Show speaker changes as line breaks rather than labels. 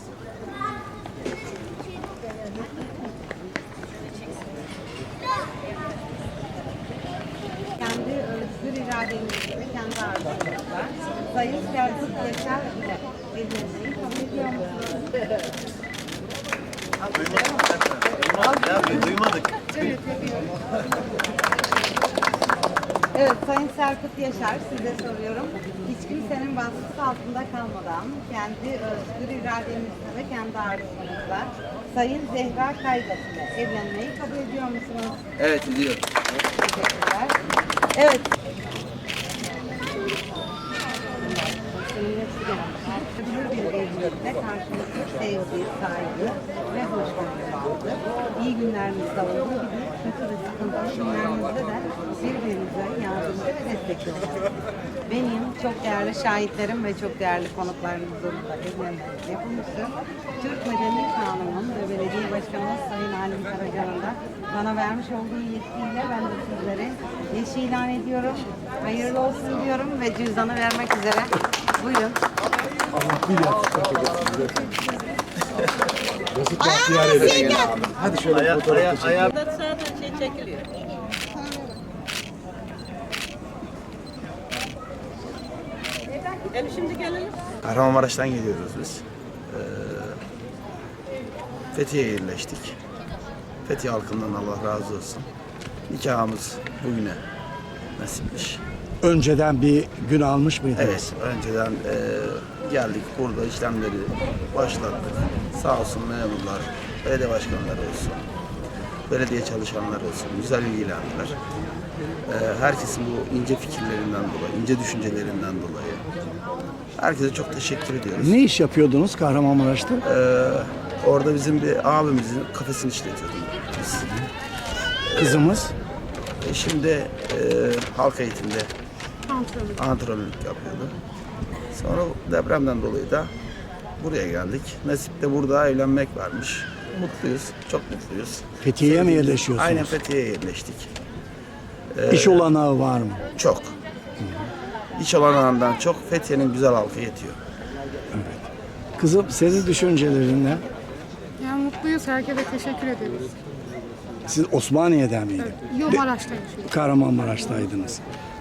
Kendi özgür irademizle ve kendi arzumuzla Sayın Serkut Yaşar ile evlenmeyi kabul ediyor musunuz?
Duymadık.
Evet, Sayın Serkut Yaşar, size soruyorum. Hiç kimsenin baskısı altında kalmadan kendi özgür irademizle ve kendi arzumuzla Sayın Zehra Kaygat ile evlenmeyi kabul ediyor musunuz?
Evet, ediyor.
Teşekkürler. Evet. Bir evlilikte karşılıklı sevgi, saygı ve hoşgörü vardı. İyi günlerinizde olduğu gibi kötü ve sıkıntılı günlerinizde de birbirinize yardımcı ve destekli olun. Benim çok değerli şahitlerim ve çok değerli konuklarımızın da evlenmesi yapılmıştır. Türk Medeni Kanunu'nun ve Belediye Başkanımız Sayın Halim Karacan'ın da bana vermiş olduğu yetkiyle ben de sizlere eşi ilan ediyorum. Hayırlı olsun diyorum ve cüzdanı vermek üzere. Buyurun.
Nasıl tahtiyar edelim? Hadi şöyle fotoğraf çekelim.
Zaten çekiliyor. Şimdi gelelim.
Kahramanmaraş'tan geliyoruz biz. Fethiye'ye yerleştik. Fethiye halkından Allah razı olsun. Nikahımız bugüne nasipmiş.
Önceden bir gün almış mıydınız?
Evet, önceden geldik burada işlemleri başlattık. Sağ olsun memurlar, belediye başkanları olsun, belediye çalışanları olsun, güzel ilgilendiler. Herkesin bu ince fikirlerinden dolayı, ince düşüncelerinden dolayı herkese çok teşekkür ediyoruz.
Ne iş yapıyordunuz Kahramanmaraş'ta?
Orada bizim bir abimizin kafesini işletiyorduk biz.
Kızımız.
Şimdi halk eğitimde antrenörlük yapıyordu. Sonra depremden dolayı da buraya geldik. Nasip de burada evlenmek varmış. Mutluyuz, çok mutluyuz.
Fethiye'ye mi yerleşiyorsunuz?
Aynen Fethiye'ye yerleştik.
İş olanağı var mı?
Çok. İş olanağından çok Fethiye'nin güzel halkı yetiyor.
Kızım senin düşüncelerin ne?
Yani mutluyuz. Herkese teşekkür ederiz.
Siz Osmaniye'den miydiniz?
Yok, Maraş'ta yaşıyoruz.
Kahramanmaraş'taydınız.